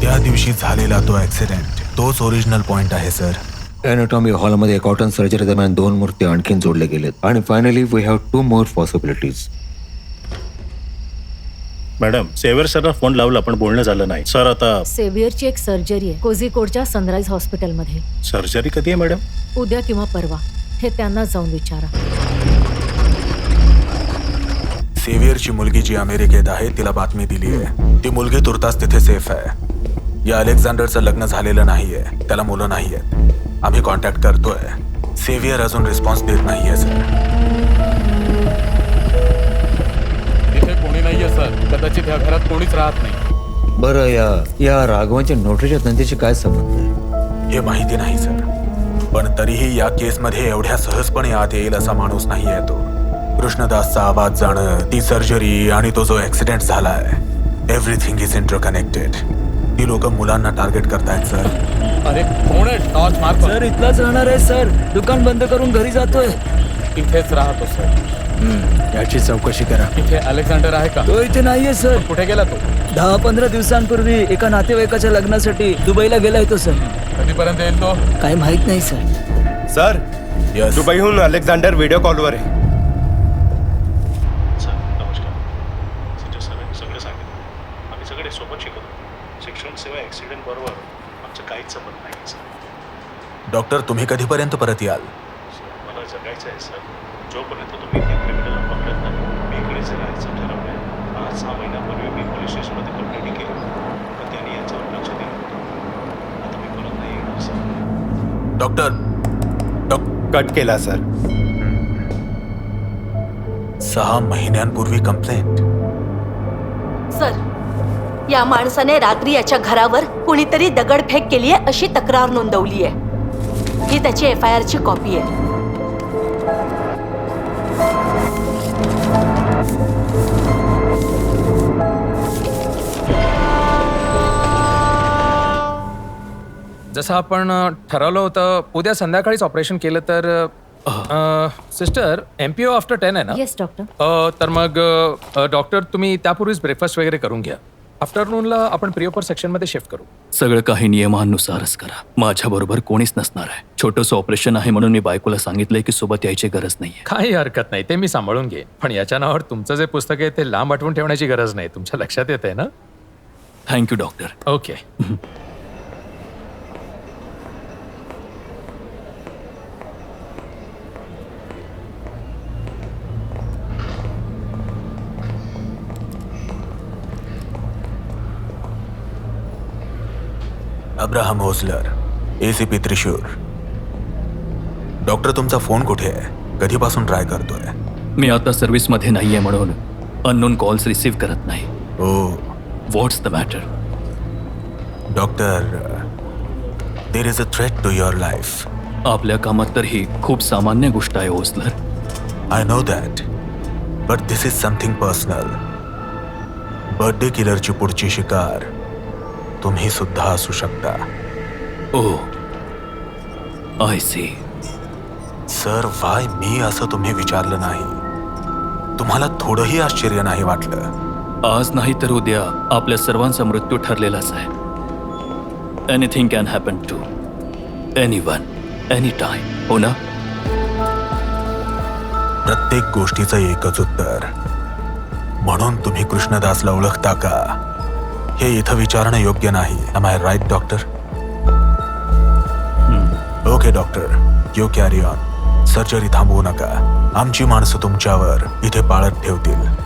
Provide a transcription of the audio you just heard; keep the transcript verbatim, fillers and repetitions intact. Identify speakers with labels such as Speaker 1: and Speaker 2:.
Speaker 1: त्या दिवशी झालेला तो ऍक्सिडेंट तोच ओरिजिनल पॉइंट आहे सर.
Speaker 2: एनाटॉमी हॉलमध्ये कॉटन सर्जरी दरम्यान दोन मूर्ती आणखीन जोडले गेलेत आणि finally we have two more possibilities.
Speaker 3: Madam सेव्हियर सरला फोन लावला पण बोलणं झालं नाही. सर आता
Speaker 4: सेव्हियरची एक सर्जरी आहे कोझिकोडच्या सनराइज हॉस्पिटलमध्ये.
Speaker 3: सर्जरी कधी आहे मॅडम?
Speaker 4: उद्या किंवा परवा, हे त्यांना जाऊन विचारा.
Speaker 1: सेव्हियरची मुलगी जी अमेरिकेत आहे तिला बातमी दिली आहे. ती मुलगी तुर्तास तिथे सेफ आहे. या अलेक्झांडरचं लग्न झालेलं नाहीये, त्याला मुलं नाहीयेत. आम्ही कॉन्टॅक्ट करतोय. सेव्हियर अजून रिस्पॉन्स देत नाहीये सर.
Speaker 5: तिथे कोणी नाहीये सर. कदाचित या घरात कोणीच राहत नाही.
Speaker 2: बरं, या या राघवांच्या नोटरीच्या धंद्याशी काय संबंध आहे?
Speaker 1: हे माहिती नाही सर, पण तरीही या केसमध्ये एवढ्या सहजपणे आत येईल असा माणूस नाहीये तो. कृष्णदासचा आवाज जाणं, ती सर्जरी आणि तो जो ऍक्सिडेंट झालाय, एव्हरीथिंग इज इंटरकनेक्टेड. ती लोक मुलांना टार्गेट करतायत सर.
Speaker 5: अरे कोण आहे? टॉर्च मार.
Speaker 6: सर इथलाच राहणार आहे सर. दुकान बंद करून घरी जातोय.
Speaker 5: इथेच राहतो सर.
Speaker 6: याची चौकशी करा.
Speaker 5: इथे अलेक्झांडर आहे का?
Speaker 6: तो इथे नाहीये सर.
Speaker 5: कुठे गेला तो?
Speaker 6: दहा पंधरा दिवसांपूर्वी एका नातेवाईकाच्या लग्नासाठी दुबईला गेलाय तो सर.
Speaker 5: कधीपर्यंत येईल तो?
Speaker 6: काही माहित नाही सर.
Speaker 7: Sir
Speaker 1: Yes.
Speaker 7: दुबईहून अलेक्झांडर व्हिडिओ कॉलवर आहे.
Speaker 3: सर नमस्कार. सिटर सरांनी सगळं सांगितलं. आम्ही सगळे सोबत शिकतो. शिक्षण सेवा ॲक्सिडेंट बरोबर आमचं काहीच संबंध नाही सर.
Speaker 1: डॉक्टर, तुम्ही कधीपर्यंत परत याल?
Speaker 3: सर मला जगायचं आहे सर. जोपर्यंत तुम्ही त्या क्रिमिनलला पकडत नाही मी इकडेच राहायचं ठरवलं आहे. आज सहा महिन्यापूर्वी मी पोलीस स्टेशनमध्ये कंप्लेंट केली पण त्यांनी याच्यावर लक्ष दिलं नव्हतं. आता मी परत नाही येणार सर.
Speaker 1: डॉक्टर डॉ-
Speaker 7: कट केला सर.
Speaker 1: सहा महिन्यांपूर्वी कंप्लेंट.
Speaker 8: सर, या माणसाने रात्री याच्या घरावर कुणीतरी दगडफेक केली आहे अशी तक्रार नोंदवली आहे. ही त्याची एफ आय आर ची कॉपी आहे.
Speaker 9: जसं आपण अ, ठरवलं होतं उद्या संध्याकाळीच ऑपरेशन केलं तर सिस्टर एमपीओ आफ्टर टेन आहे ना?
Speaker 4: Yes doctor.
Speaker 9: अ, तर मग अ, डॉक्टर तुम्ही त्यापूर्वीच ब्रेकफास्ट वगैरे करून घ्या. आफ्टरनूनला आपण प्रिओपर सेक्शनमध्ये शिफ्ट करू.
Speaker 10: सगळं काही नियमानुसारच करा. माझ्याबरोबर कोणीच नसणार आहे. छोटंसं ऑपरेशन आहे म्हणून मी बायकोला सांगितलंय की सोबत यायची गरज नाहीये.
Speaker 9: काही हरकत नाही, ते मी सांभाळून घे. पण याच्या नावावर तुमचं जे पुस्तक आहे ते लांब आठवून ठेवण्याची गरज नाही. तुमच्या लक्षात येत आहे ना?
Speaker 10: Thank you doctor.
Speaker 9: Okay.
Speaker 1: Abraham Hosler, ACP Thrissur. Doctor, तुमचा फोन कुठे आहे? कधीपासून ट्राय करतोय?
Speaker 10: मी आता सर्व्हिसमध्ये नाहीये म्हणून अननोन कॉल्स रिसीव्ह करत नाही.
Speaker 1: Oh
Speaker 10: what's the matter?
Speaker 1: Doctor, there is a threat to your life.
Speaker 10: आपल्या कामात तर ही खूप सामान्य गोष्ट आहे Osler.
Speaker 1: I know that, but this is something personal. Birthday किलरची पुढची शिकार तुम्ही सुद्धा असू शकता.
Speaker 10: Oh I see.
Speaker 1: Sir, why मी असं तुम्ही विचारलं नाही. तुम्हाला थोडंही आश्चर्य नाही वाटलं?
Speaker 10: आज नाही तर उद्या आपल्या सर्वांचा मृत्यू ठरलेलाच आहे. Anything can happen to anyone any time. हो ना?
Speaker 1: प्रत्येक गोष्टीचं एकच उत्तर. म्हणून तुम्ही कृष्णदासला ओळखता का हे इथं विचारणं योग्य नाही. Am I right doctor? Okay doctor, you carry on. Surgery थांबवू नका. आमची माणसं तुमच्यावर इथे पाळत ठेवतील.